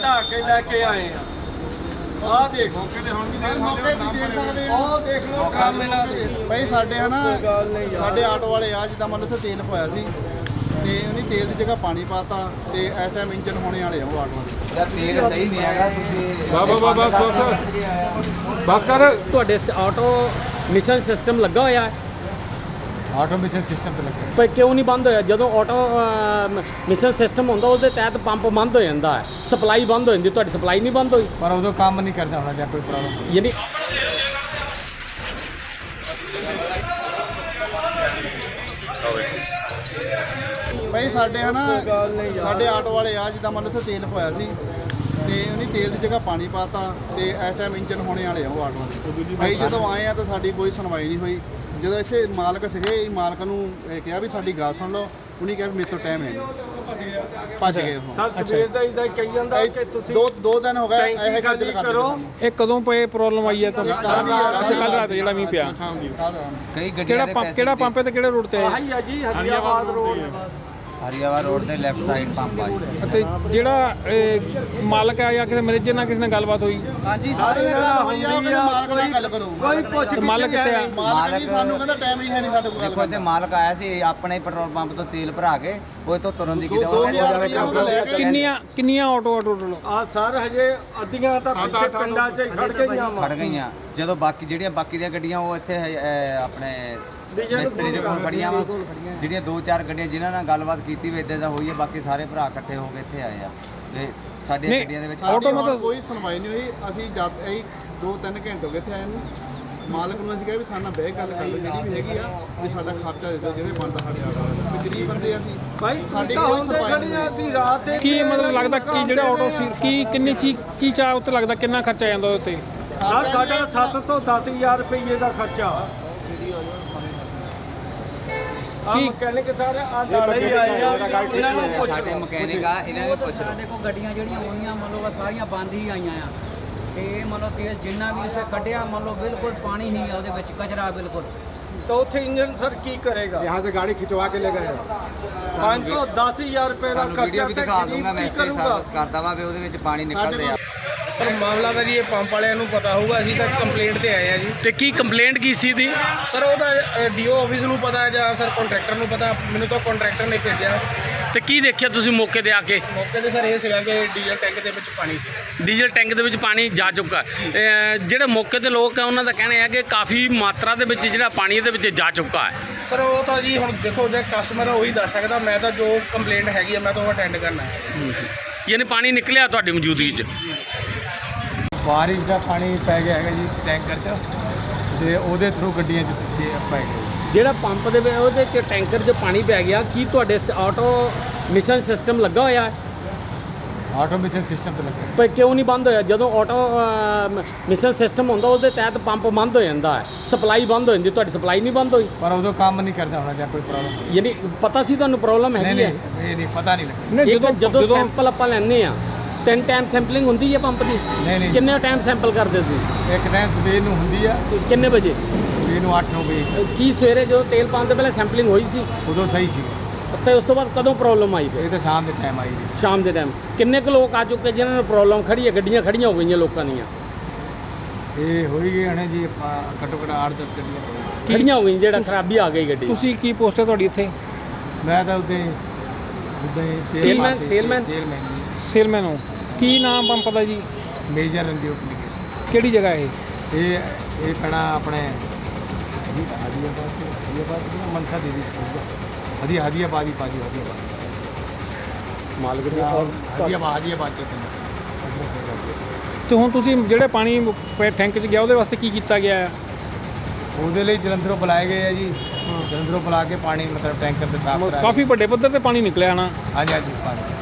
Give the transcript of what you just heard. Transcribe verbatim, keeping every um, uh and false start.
ਕਢਾ ਕੇ ਲੈ ਕੇ ਆਏ ਆ। ਆਹ ਦੇਖ ਮੌਕੇ ਤੇ ਹੁਣ ਵੀ ਮੌਕੇ ਤੇ ਦੇਖ ਸਕਦੇ ਆ। ਆਹ ਦੇਖ ਲਓ ਕੰਮ ਇਹਨਾਂ ਦੇ ਭਾਈ ਸਾਡੇ ਹਨਾ ਸਾਡੇ ਆਟੋ ਵਾਲੇ ਆ ਜਿੱਦਾਂ ਮੰਨ ਲਓ ਉੱਥੇ ਤੇਲ ਪਾਇਆ ਸੀ ਤੇ ਉਹਨੇ ਤੇਲ ਦੀ ਜਗ੍ਹਾ ਪਾਣੀ ਪਾਤਾ ਤੇ ਇਸ ਟਾਈਮ ਇੰਜਨ ਹੋਣੇ ਵਾਲੇ ਆ ਉਹ ਆਟੋ ਦੇ। ਯਾਰ ਤੇਲ ਸਹੀ ਨਹੀਂ ਹੈਗਾ ਤੁਸੀਂ ਵਾਹ ਵਾਹ ਵਾਹ ਬਸ ਬਸ ਬਸ ਕਰ। ਤੁਹਾਡੇ ਆਟੋ ਮਿਸ਼ਨ ਸਿਸਟਮ ਲੱਗਾ ਹੋਇਆ ਹੈ ਆਟੋਮੇਸ਼ਨ ਸਿਸਟਮ ਤੇ ਲੱਗੇ ਪਰ ਕਿਉਂ ਨਹੀਂ ਬੰਦ ਹੋਇਆ? ਜਦੋਂ ਆਟੋ ਮਿਸ਼ਨ ਸਿਸਟਮ ਹੁੰਦਾ ਉਹਦੇ ਤਹਿਤ ਪੰਪ ਬੰਦ ਹੋ ਜਾਂਦਾ ਹੈ, ਸਪਲਾਈ ਬੰਦ ਹੋ ਜਾਂਦੀ। ਤੁਹਾਡੀ ਸਪਲਾਈ ਨਹੀਂ ਬੰਦ ਹੋਈ? ਪਰ ਉਦੋਂ ਕੰਮ ਨਹੀਂ ਕਰਦਾ ਹੋਣਾ ਜਾਂ ਕੋਈ ਪ੍ਰੋਬਲਮ। ਯਾਨੀ ਭਾਈ ਸਾਡੇ ਹਨਾ ਸਾਡੇ ਆਟੋ ਵਾਲੇ ਆ ਜਿੱਦਾਂ ਮੰਨ ਲਓ ਉੱਥੇ ਤੇਲ ਪਾਇਆ ਸੀ ਤੇ ਉਹਨੇ ਤੇਲ ਦੀ ਜਗ੍ਹਾ ਪਾਣੀ ਪਾਤਾ ਤੇ ਇਸ ਟਾਈਮ ਇੰਜਨ ਹੋਣੇ ਵਾਲੇ ਆ ਉਹ ਆਟੋ ਦੇ। ਭਾਈ ਜਦੋਂ ਆਏ ਆ ਤਾਂ ਸਾਡੀ ਕੋਈ ਸੁਣਵਾਈ ਨਹੀਂ ਹੋਈ। ਜਦੋਂ ਇੱਥੇ ਮਾਲਕ ਸੀਗੇ ਮਾਲਕ ਨੂੰ ਇਹ ਕਿਹਾ ਵੀ ਸਾਡੀ ਗੱਲ ਸੁਣ ਲਓ, ਉਹਨੇ ਕਿਹਾ ਵੀ ਮੇਰੇ ਤੋਂ ਟਾਈਮ ਹੈ ਨਹੀਂ, ਭੱਜ ਗਏ ਉਹ। ਸਰ ਸਵੇਰ ਦਾ ਇਦਾਂ ਕਹੀ ਜਾਂਦਾ ਕਿ ਤੁਸੀਂ ਦੋ ਦੋ ਦਿਨ ਹੋ ਗਏ ਇਹ ਗੱਲ ਟੈਂਕੀ ਕਰਦੇ ਕਰੋ। ਇਹ ਕਦੋਂ ਪਏ ਪ੍ਰੋਬਲਮ ਆਈ ਹੈ ਤੁਹਾਨੂੰ? ਅੱਛਾ ਕੱਲ ਰਾਤ ਜਿਹੜਾ ਮੀਂਹ ਪਿਆ। ਕਈ ਗੱਡੀਆਂ ਕਿਹੜਾ ਦੇ ਪੰਪ ਪੈਸੇ ਕਿਹੜਾ ਪੰਪ ਹੈ ਤੇ ਕਿਹੜੇ ਰੋਡ ਤੇ ਹੈ? ਆਹੀ ਆ ਜੀ ਹਰੀਆਬਾਦ ਰੋਡ। ਹਰੀਆਵਾਲ ਰੋਡ ਦੇ ਲੈਫਟ ਸਾਈਡ ਪੰਪ ਆ ਜੀ। ਅਤੇ ਜਿਹੜਾ ਇਹ ਮਾਲਕ ਆ ਜਾਂ ਕਿਸੇ ਮੈਨੇਜਰ ਨਾਲ ਕਿਸੇ ਨਾਲ ਗੱਲਬਾਤ ਹੋਈ? ਹਾਂਜੀ ਸਾਰੇ ਨੇ ਗੱਲ ਹੋਈ ਆ, ਉਹ ਕਹਿੰਦੇ ਮਾਲਕ ਨਾਲ ਗੱਲ ਕਰੋ। ਕੋਈ ਪੁੱਛ ਤੇ ਮਾਲਕ ਕਿੱਥੇ ਆ? ਮਾਲਕ ਜੀ ਸਾਨੂੰ ਕਹਿੰਦਾ ਟਾਈਮ ਹੀ ਹੈ ਨਹੀਂ ਸਾਡੇ ਕੋਲ ਗੱਲ ਦੇਖੋ ਇੱਥੇ ਕਰਨ ਮਾਲਕ ਆਇਆ ਸੀ ਆਪਣੇ ਪੈਟਰੋਲ ਪੰਪ ਤੋਂ ਤੇਲ ਭਰਾ ਕੇ ਉਹ ਤੋਂ ਤੁਰਨ ਦੀ ਕਿਤੇ ਦੋ ਹਜ਼ਾਰ ਰੁਪਇਆ ਉਹਦਾ ਲੈ ਕੇ ਕਿੰਨੀਆਂ ਕਿੰਨੀਆਂ ਆਟੋ ਆ ਟੋਟਲ? ਆ ਸਰ ਹਜੇ ਅੱਧੀਆਂ ਤਾਂ ਪਿੱਛੇ ਪਿੰਡਾਂ 'ਚ ਖੜ ਗਈਆਂ ਵਾ। ਖੜ ਗਈਆਂ। ਜਦੋਂ ਬਾਕੀ ਜਿਹੜੀਆਂ ਬਾਕੀ ਦੀਆਂ ਗੱਡੀਆਂ ਉਹ ਇੱਥੇ ਅਹ, ਆਪਣੇ ਮਿਸਤਰੀ ਦੇ ਕੋਲ ਖੜੀਆਂ ਵਾ। ਜਿਹੜੀਆਂ ਦੋ ਚਾਰ ਗੱਡੀਆਂ ਜਿਨ੍ਹਾਂ ਨਾਲ ਗੱਲਬਾਤ ਕੀਤੀ ਵੀ ਇੱਦਾਂ ਦਾ ਹੋਈ ਹੈ, ਬਾਕੀ ਸਾਰੇ ਭਰਾ ਇਕੱਠੇ ਹੋ ਕੇ ਇੱਥੇ ਆਏ ਆ ਤੇ ਸਾਡੀਆਂ ਗੱਡੀਆਂ ਦੇ ਵਿੱਚ ਆਟੋ ਮਤਲਬ ਕੋਈ ਸੁਣਵਾਈ ਨਹੀਂ ਹੋਈ। ਅਸੀਂ ਜਦ ਅਸੀਂ ਦੋ ਤਿੰਨ ਘੰਟੇ ਹੋ ਗਏ ਇੱਥੇ ਆਏ ਨੂੰ। ਮਾਲਕ ਨੂੰ ਅਸੀਂ ਕਿਹਾ ਵੀ ਸਾਡੇ ਨਾਲ ਬਹਿ ਕੇ ਗੱਲ ਕਰ ਲਓ ਜਿਹੜੀ ਵੀ ਹੈਗੀ ਆ ਵੀ ਸਾਡਾ ਖਰਚਾ ਦੇ ਦਿਓ ਜਿਹੜੇ ਬਣਦਾ ਸਾਡੇ ਆਟੋ ਵਾਲੇ। ਵੀ ਗਰੀਬ ਬੰਦੇ ਆ ਅਸੀਂ, ਭਾਈ ਸਾਡੀ ਸਾਡੀ ਕੋਈ ਕੋਈ ਸੁਣਵਾਈ ਖੜੀ ਆ ਅਸੀਂ ਰਾਤ ਦੇ ਕੀ ਮਤਲਬ ਲੱਗਦਾ ਕੀ ਜਿਹੜਾ ਆਟੋ ਸੀ ਕੀ ਕਿੰਨੀ ਚੀ ਕੀ ਚਾਹ ਉੱਤੇ ਲੱਗਦਾ ਕਿੰਨਾ ਖਰਚਾ ਜਾਂਦਾ ਉਹਦੇ ਉੱਤੇ? ਸਰ ਸਾਡਾ ਸੱਤ ਤੋਂ ਦਸ ਹਜ਼ਾਰ ਰੁਪਏ ਦਾ ਖਰਚਾ। ਆ ਕੀ- ਮਕੈਨਿਕ ਸਾਰੇ ਆ ਨਾਲੇ ਹੀ ਆਏ ਆ ਇਹਨਾਂ ਨੂੰ ਪੁੱਛ ਸਾਡੇ ਮਕੈਨਿਕ ਆ ਇਹਨਾਂ ਨੇ ਪੁੱਛ ਲਓ। ਸਾਡੇ ਕੋਲ ਗੱਡੀਆਂ ਜਿਹੜੀਆਂ ਹੋਣੀਆਂ ਮੰਨ ਲਓ ਸਾਰੀਆਂ ਬੰਦ ਹੀ ਆਈਆਂ ਆ ਤੇ ਮੰਨ ਲਓ ਤੇਲ ਜਿੰਨਾ ਵੀ ਇੱਥੇ ਕੱਢਿਆ ਮੰਨ ਲਓ ਬਿਲਕੁਲ ਪਾਣੀ ਨਹੀਂ ਆ ਉਹਦੇ ਵਿੱਚ, ਕਚਰਾ ਬਿਲਕੁਲ। ਤਾਂ ਉੱਥੇ ਇੰਜਨ ਸਰ ਕੀ ਕਰੇਗਾ? यहाँ से गाड़ी खिंचवा के ले गए। ਪੰਜ ਤੋਂ ਦਸ ਹਜ਼ਾਰ ਰੁਪਏ ਦਾ ਤੁਹਾਨੂੰ ਖਰਚਾ ਵੀਡੀਓ ਵੀ ਦਿਖਾ ਦੂੰਗਾ ਮੈਂ ਇਸ ਤੇ ਸਰਵਿਸ ਕਰਦਾ ਵਾ ਵੀ ਉਹਦੇ ਵਿੱਚ ਪਾਣੀ ਨਿਕਲਦੇ ਆ। ਸਰ ਮਾਮਲਾ ਤਾਂ ਜੀ ਇਹ ਪੰਪ ਵਾਲਿਆਂ ਨੂੰ ਪਤਾ ਹੋਊਗਾ। ਅਸੀਂ ਤਾਂ ਕੰਪਲੇਂਟ ਤੇ ਆਏ ਆ ਜੀ। ਤੇ ਕੀ ਕੰਪਲੇਂਟ ਕੀ ਸੀ ਦੀ? ਸਰ ਉਹਦਾ ਡੀਓ ਆਫਿਸ ਨੂੰ ਪਤਾ ਜਾਂ ਸਰ ਕੰਟਰੈਕਟਰ ਨੂੰ ਪਤਾ। ਮੈਨੂੰ ਤਾਂ ਕੰਟਰੈਕਟਰ ਨੇ ਭੇਜਿਆ। ਤੇ ਕੀ ਦੇਖਿਆ ਤੁਸੀਂ ਮੌਕੇ ਤੇ ਆ ਕੇ? ਮੌਕੇ ਤੇ ਸਰ ਇਹ ਸੀਗਾ ਕਿ ਡੀਜ਼ਲ ਟੈਂਕ ਦੇ ਵਿੱਚ ਪਾਣੀ ਸੀ। ਡੀਜ਼ਲ ਟੈਂਕ ਦੇ ਵਿੱਚ ਪਾਣੀ ਜਾ ਚੁੱਕਾ ਹੈ। ਅਹ ਜਿਹੜੇ ਮੌਕੇ ਤੇ ਲੋਕ ਹੈ ਉਹਨਾਂ ਦਾ ਕਹਿਣਾ ਹੈ ਕਿ ਕਾਫੀ ਮਾਤਰਾ ਦੇ ਵਿੱਚ ਜਿਹੜਾ ਪਾਣੀ ਇਹਦੇ ਵਿੱਚ ਜਾ ਚੁੱਕਾ ਹੈ। ਸਰ ਉਹ ਤਾਂ ਜੀ ਹੁਣ ਦੇਖੋ ਜੇ ਕਸਟਮਰ ਉਹੀ ਦੱਸ ਸਕਦਾ। ਮੈਂ ਤਾਂ ਜੋ ਕੰਪਲੇਂਟ ਹੈਗੀ ਆ ਮੈਂ ਤਾਂ ਉਹ ਅਟੈਂਡ ਕਰਨਾ ਹੈ। ਯਾਨੀ ਪਾਣੀ ਨਿਕਲਿਆ ਤੁਹਾਡੀ ਮੌਜੂਦਗੀ 'ਚ? ਬਾਰਿਸ਼ ਦਾ ਪਾਣੀ ਪੈ ਗਿਆ ਹੈਗਾ ਜੀ ਟੈਂਕਰ 'ਚ ਤੇ ਉਹਦੇ ਥਰੂ ਗੱਡੀਆਂ 'ਚ ਤੇ ਪੈ ਗਏ। ਜਿਹੜਾ ਪੰਪ ਦੇ ਵਿੱਚ ਉਹਦੇ 'ਚ ਟੈਂਕਰ 'ਚ ਪਾਣੀ ਪੈ ਗਿਆ, ਕੀ ਤੁਹਾਡੇ ਆਟੋ ਮਿਸ਼ਨ ਸਿਸਟਮ ਲੱਗਾ ਹੋਇਆ ਹੈ? ਆਟੋਮੇਸ਼ਨ ਸਿਸਟਮ ਤੇ ਲੱਗੇ ਪਰ ਕਿਉਂ ਨਹੀਂ ਬੰਦ ਹੋਇਆ? ਜਦੋਂ ਆਟੋ ਮਿਸ਼ਨ ਸਿਸਟਮ ਹੁੰਦਾ ਉਹਦੇ ਤਹਿਤ ਪੰਪ ਬੰਦ ਹੋ ਜਾਂਦਾ ਹੈ, ਸਪਲਾਈ ਬੰਦ ਹੋ ਜਾਂਦੀ। ਤੁਹਾਡੀ ਸਪਲਾਈ ਨਹੀਂ ਬੰਦ ਹੋਈ? ਪਰ ਉਦੋਂ ਕੰਮ ਨਹੀਂ ਕਰਦਾ ਹੋਣਾ ਜਾਂ ਕੋਈ ਪ੍ਰੋਬਲਮ। ਯਾਨੀ ਪਤਾ ਸੀ ਤੁਹਾਨੂੰ ਪ੍ਰੋਬਲਮ ਨਹੀਂ ਹੈਗੀ ਹੈ? ਨਹੀਂ ਇਹ ਨਹੀਂ ਪਤਾ ਨਹੀਂ ਲੱਗਾ। ਇੱਕ ਜਦੋਂ ਸੈਂਪਲ ਆਪਾਂ ਲੈਂਦੇ ਆ ਤਿੰਨ ਟਾਈਮ ਸੈਂਪਲਿੰਗ ਹੁੰਦੀ ਹੈ ਪੰਪ ਦੀ? ਨਹੀਂ ਨਹੀਂ ਕਿੰਨੇ ਟਾਈਮ ਸੈਂਪਲ ਕਰਦੇ ਸੀ? ਇੱਕ ਟਾਈਮ ਸਵੇਰ ਨੂੰ ਹੁੰਦੀ ਆ, ਕਿੰਨੇ ਵਜੇ? ਸਵੇਰ ਨੂੰ ਅੱਠ ਨੌ ਵਜੇ। ਕੀ ਸਵੇਰੇ ਜਦੋਂ ਤੇਲ ਪਾਉਣ ਤੋਂ ਪਹਿਲਾਂ ਸੈਂਪਲਿੰਗ ਹੋਈ ਸੀ? ਉਦੋਂ ਸਹੀ ਸੀ। ਤੇ ਉਸ ਤੋਂ ਬਾਅਦ ਕਦੋਂ ਪ੍ਰੋਬਲਮ ਆਈ ਫਿਰ? ਇਹ ਤਾਂ ਸ਼ਾਮ ਦੇ ਟਾਈਮ ਆਈ ਜੀ। ਸ਼ਾਮ ਦੇ ਟਾਈਮ ਕਿੰਨੇ ਕੁ ਲੋਕ ਆ ਚੁੱਕੇ ਜਿਨ੍ਹਾਂ ਨੂੰ ਪ੍ਰੋਬਲਮ ਖੜੀ ਹੈ? ਗੱਡੀਆਂ ਖੜੀਆਂ ਹੋ ਗਈਆਂ ਲੋਕਾਂ ਦੀਆਂ? ਇਹ ਹੋਈ ਗਈ ਹਣੇ ਜੀ ਆਪਾਂ ਘੱਟੋ ਘੱਟ ਅੱਠ ਦਸ ਗੱਡੀਆਂ ਖੜੀਆਂ ਹੋ ਗਈਆਂ, ਜਿਹੜਾ ਖਰਾਬੀ ਆ ਗਈ ਗੱਡੀ। ਤੁਸੀਂ ਕੀ ਪੋਸਟ ਹੈ ਤੁਹਾਡੀ ਇੱਥੇ? ਮੈਂ ਤਾਂ ਉੱਤੇ ਉੱਦਾਂ ਹੀ ਤੇਲ ਸੇਲਮੈਨ- ਪਾਤੇ ਸੀ, ਸੇਲਮੈਨ? ਸੇਲਮੈਨ ਸੇਲਮੈਨ ਹੋ। ਕੀ ਨਾਮ ਪੰਪ ਦਾ ਜੀ? ਮੇਜਰ ਰੰਦੀਓ ਕਲੀਨਿਕ। ਕਿਹੜੀ ਜਗ੍ਹਾ ਇਹ? ਇਹ ਇਹ ਪੈਣਾ ਆਪਣੇ ਹਦੀਆਬਾਦ ਤੋਂ ਹਦੀਆਬਾਦ ਤੋਂ ਮਨਸਾ ਦੇਵੀ ਸਕੂਲ ਹਦੀ ਹਦੀਆਬਾਦ ਹੀ ਪਾਜੀ ਹਦੀਆਬਾਦ ਮਾਲਕ ਦੀ ਹਦੀਆਬਾਦ ਹਦੀਆਬਾਦ ਚ ਐਡਰੈਸ ਹੈਗਾ। ਤੇ ਹੁਣ ਤੁਸੀਂ ਜਿਹੜੇ ਪਾਣੀ ਪੈ- ਟੈਂਕ 'ਚ ਗਿਆ ਉਹਦੇ ਵਾਸਤੇ ਕੀ ਕੀਤਾ ਗਿਆ ਹੈ? ਉਹਦੇ ਲਈ ਜਲੰਧਰੋਂ ਬੁਲਾਏ ਗਏ ਆ ਜੀ। ਜਲੰਧਰੋਂ ਬੁਲਾ ਕੇ ਪਾਣੀ ਮਤਲਬ ਟੈਂਕਰ ਤੇ ਸਾਫ਼ ਕਰਾ ਕਾਫੀ ਵੱਡੇ ਪੱਧਰ ਤੇ ਪਾਣੀ ਨਿਕਲਿਆ ਨਾ। ਹਾਂਜੀ ਹਾਂਜੀ ਪਾਣੀ